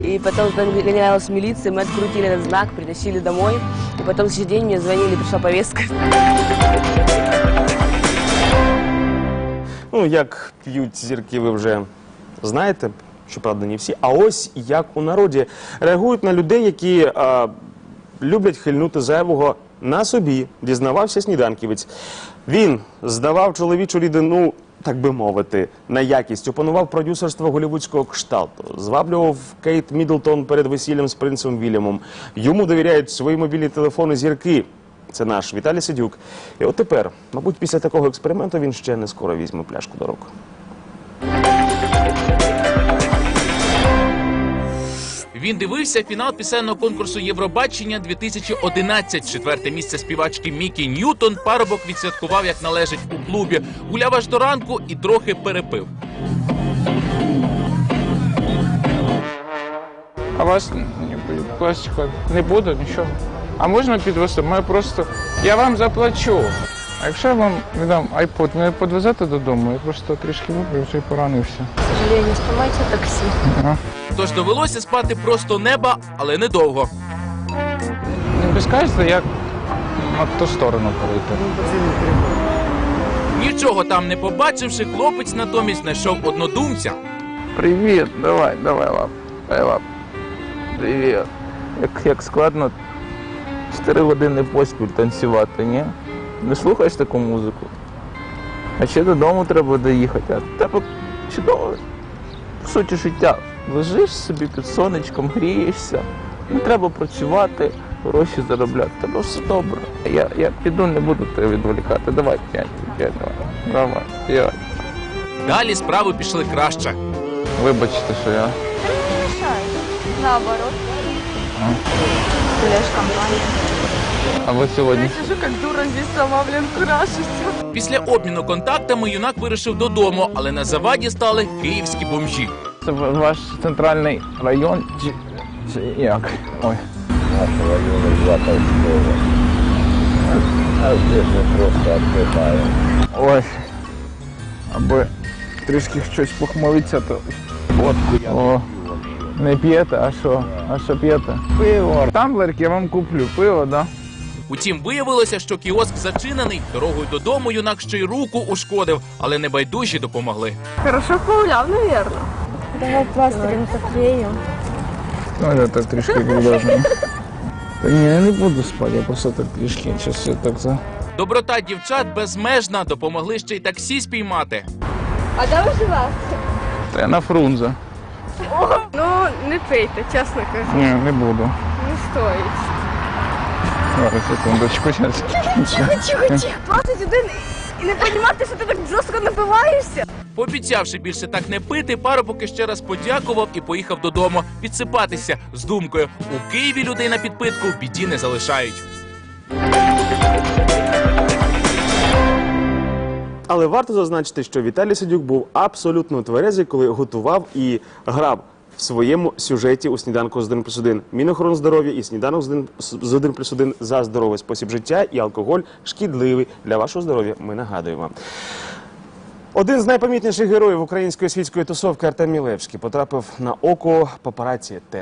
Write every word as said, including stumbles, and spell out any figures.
И потом гонялась милиция, мы открутили этот знак, притащили домой. И потом в следующий день мне звонили, пришла повестка. Ну, як п'ють зірки, ви вже знаєте, щоправда, не всі. А ось як у народі реагують на людей, які а, люблять хильнути зайвого на собі, дізнавався сніданківець. Він здавав чоловічу рідину, так би мовити, на якість, опанував продюсерство голівудського кшталту, зваблював Кейт Міддлтон перед весіллям з принцем Вільямом. Йому довіряють свої мобільні телефони зірки. Це наш Віталій Сидюк. І от тепер, мабуть, після такого експерименту він ще не скоро візьме пляшку до рук. Він дивився фінал пісенного конкурсу Євробачення дві тисячі одинадцять. Четверте місце співачки Мікі Ньютон парубок відсвяткував, як належить, у клубі. Гуляв аж до ранку і трохи перепив. А вас пластика не буде, нічого. А можна підвезти? Ми просто... Я вам заплачу. А якщо я вам віддам айпод, мене підвезете додому? Я просто трішки випив, вже й поранився. К сожалению, спіймайте таксі. Ага. Тож довелося спати просто неба, але недовго. Не підскажете, як на ту сторону перейти? Нічого там не побачивши, хлопець натомість знайшов однодумця. Привіт, давай, давай, лап. Давай, лап. Привіт. Як, як складно чотири години поспіль танцювати, ні? Не слухаєш таку музику? А ще додому треба доїхати, а тебе чудово. В суті життя. Лежиш собі під сонечком, грієшся. Не треба працювати, гроші заробляти. Тебе все добре. Я, я піду, не буду тебе відволікати. Давай, п'ять, п'ять, давай. Давай, п'ять. Далі справи пішли краще. Вибачте, що я... Не мешай. Наоборот. Гуляешь компания. А ви сьогодні... Сижу как дура здесь сама, блин, крашусь. Після обміну контактами юнак вирішив додому, але на заваді стали київські бомжі. Це ваш центральний район чи, чи як? Ой. Наш район два Толстого. А здесь мы просто отдыхаем. Ой. Аби трішки щось похмелиться, то водку я О, не п'єте, а що? А що п'єте? Пиво. Тамблерк я вам куплю. Пиво, да? Утім, виявилося, що кіоск зачинений. Дорогою додому юнак ще й руку ушкодив, але небайдужі допомогли. Хорошо погуляв, наверное. Давай пластырем поклеим. Ну, я так трішки продовжую. Та ні, я не буду спати, я просто так трішки, щось я так за... Доброта дівчат безмежна, допомогли ще й таксі спіймати. А де ви живете? Та я на Фрунзе. Ну, не пийте, чесно кажу. Ні, не буду. Не стоїть. Зараз, секундочку, зараз. Тихо, тихо, двадцять один і не розуміти, що ти так жорстко напиваєшся. Пообіцявши більше так не пити, парубок ще раз подякував і поїхав додому відсипатися з думкою: у Києві людей на підпитку в біді не залишають. Але варто зазначити, що Віталій Сидюк був абсолютно тверезий, коли готував і грав в своєму сюжеті у «Сніданку з один плюс один». Мінохорондздоров'я і «Сніданок з один плюс один» за здоровий спосіб життя, і алкоголь шкідливий для вашого здоров'я, ми нагадуємо. Один з найпомітніших героїв української світської тусовки Артем Мілевський потрапив на око папараці.